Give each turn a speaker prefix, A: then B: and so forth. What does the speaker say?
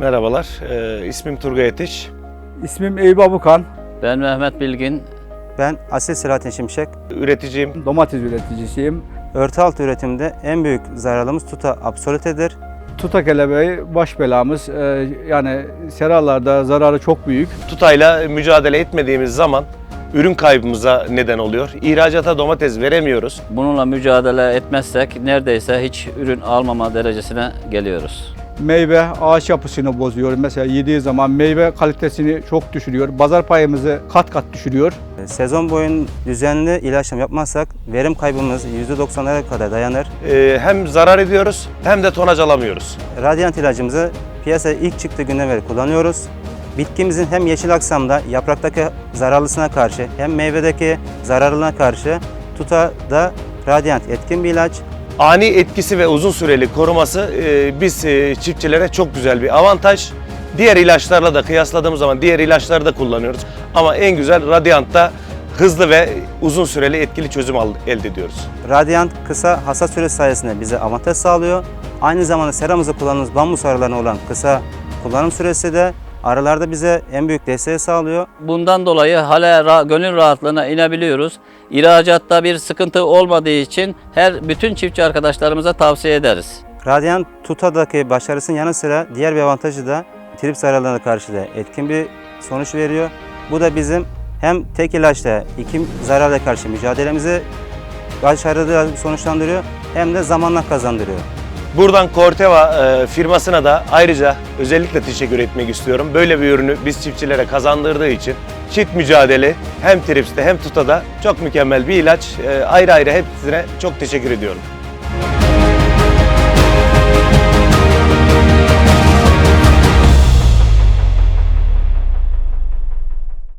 A: Merhabalar, ismim Turgay Etiş.
B: İsmim Eyüp Abukan.
C: Ben Mehmet Bilgin.
D: Ben Asil Selahattin Şimşek.
A: Üreticiyim.
B: Domates üreticisiyim.
D: Örtü altı üretiminde en büyük zararımız tuta absolutedir.
B: Tuta kelebeği baş belamız. Yani seralarda zararı çok büyük.
A: Tutayla mücadele etmediğimiz zaman ürün kaybımıza neden oluyor. İhracata domates veremiyoruz.
C: Bununla mücadele etmezsek neredeyse hiç ürün almama derecesine geliyoruz.
B: Meyve ağaç yapısını bozuyor. Mesela yediği zaman meyve kalitesini çok düşürüyor. Pazar payımızı kat kat düşürüyor.
D: Sezon boyunca düzenli ilaçlama yapmazsak verim kaybımız %90'lara kadar dayanır.
A: Hem zarar ediyoruz hem de tonaj alamıyoruz.
D: Radyant ilacımızı piyasaya ilk çıktığı günden beri kullanıyoruz. Bitkimizin hem yeşil aksamda yapraktaki zararlısına karşı hem meyvedeki zararlılığına karşı tutada Radyant etkin bir ilaç.
A: Ani etkisi ve uzun süreli koruması biz çiftçilere çok güzel bir avantaj. Diğer ilaçlarla da kıyasladığımız zaman diğer ilaçları da kullanıyoruz. Ama en güzel Radiant'ta hızlı ve uzun süreli etkili çözüm elde ediyoruz.
D: Radyant kısa hasat süresi sayesinde bize avantaj sağlıyor. Aynı zamanda seramızda kullandığımız bambus arılarına olan kısa kullanım süresi de arılarda bize en büyük desteği sağlıyor.
C: Bundan dolayı hala gönül rahatlığına inebiliyoruz. İhracatta bir sıkıntı olmadığı için bütün çiftçi arkadaşlarımıza tavsiye ederiz.
D: Radyant tutadaki başarısının yanı sıra diğer bir avantajı da trip zararlarına karşı da etkin bir sonuç veriyor. Bu da bizim hem tek ilaçla iki zararla karşı mücadelemizi başarılı sonuçlandırıyor hem de zamanla kazandırıyor.
A: Buradan Corteva firmasına da ayrıca özellikle teşekkür etmek istiyorum. Böyle bir ürünü biz çiftçilere kazandırdığı için çift mücadele hem tripste hem tutada çok mükemmel bir ilaç. Ayrı ayrı hepsine çok teşekkür ediyorum.